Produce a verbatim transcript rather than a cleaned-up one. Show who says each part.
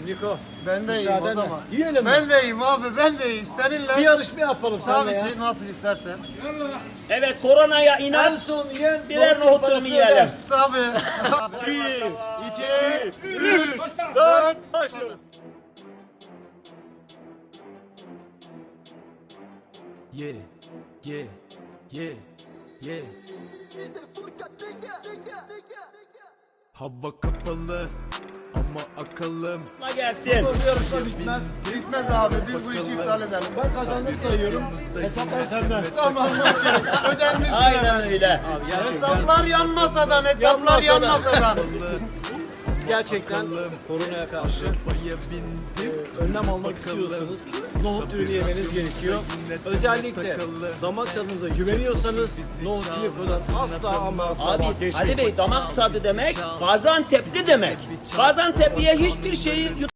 Speaker 1: Niko.
Speaker 2: Ben de iyiyim o
Speaker 1: müsaadenle.
Speaker 2: zaman.
Speaker 1: Yiyelim mi?
Speaker 2: Ben de iyiyim abi, ben de iyiyim. Seninle.
Speaker 1: Bir yarışma yapalım
Speaker 2: Tabii
Speaker 1: seninle ya.
Speaker 2: ki, nasıl istersen.
Speaker 3: Evet, koronaya
Speaker 1: En
Speaker 3: inat.
Speaker 1: son yiyen
Speaker 3: Birer
Speaker 1: nohut
Speaker 3: nohut
Speaker 1: parasını
Speaker 3: durumu yiyelim.
Speaker 1: öder.
Speaker 2: Tabii.
Speaker 3: Bir,
Speaker 2: İki,
Speaker 3: üç,
Speaker 1: Dört, başlıyoruz.
Speaker 4: Yeah, yeah, yeah, yeah. Hava kapalı ama akıllım.
Speaker 3: gelsin.
Speaker 1: Bu yarışma bitmez.
Speaker 2: bitmez abi, biz bu işi iptal edelim.
Speaker 1: Ben kazandım sayıyorum. Hesaplar senden.
Speaker 2: Tamam, okey. Ödenmiş.
Speaker 3: Aynen öyle.
Speaker 2: Hesaplar yan masadan, hesaplar
Speaker 1: Yan
Speaker 2: yan
Speaker 1: masadan.
Speaker 2: masadan.
Speaker 1: Gerçekten koronaya karşı
Speaker 4: Arabaya bindim.
Speaker 1: önlem almak istiyorsanız nohut ürünü yemeniz gerekiyor. Özellikle damak tadınıza güveniyorsanız nohut Niko'dan asla ama asla
Speaker 3: Abi
Speaker 1: vazgeçmeyin.
Speaker 3: Ali Bey damak tadı demek Gaziantep'li demek. Gaziantep'liye hiçbir şeyi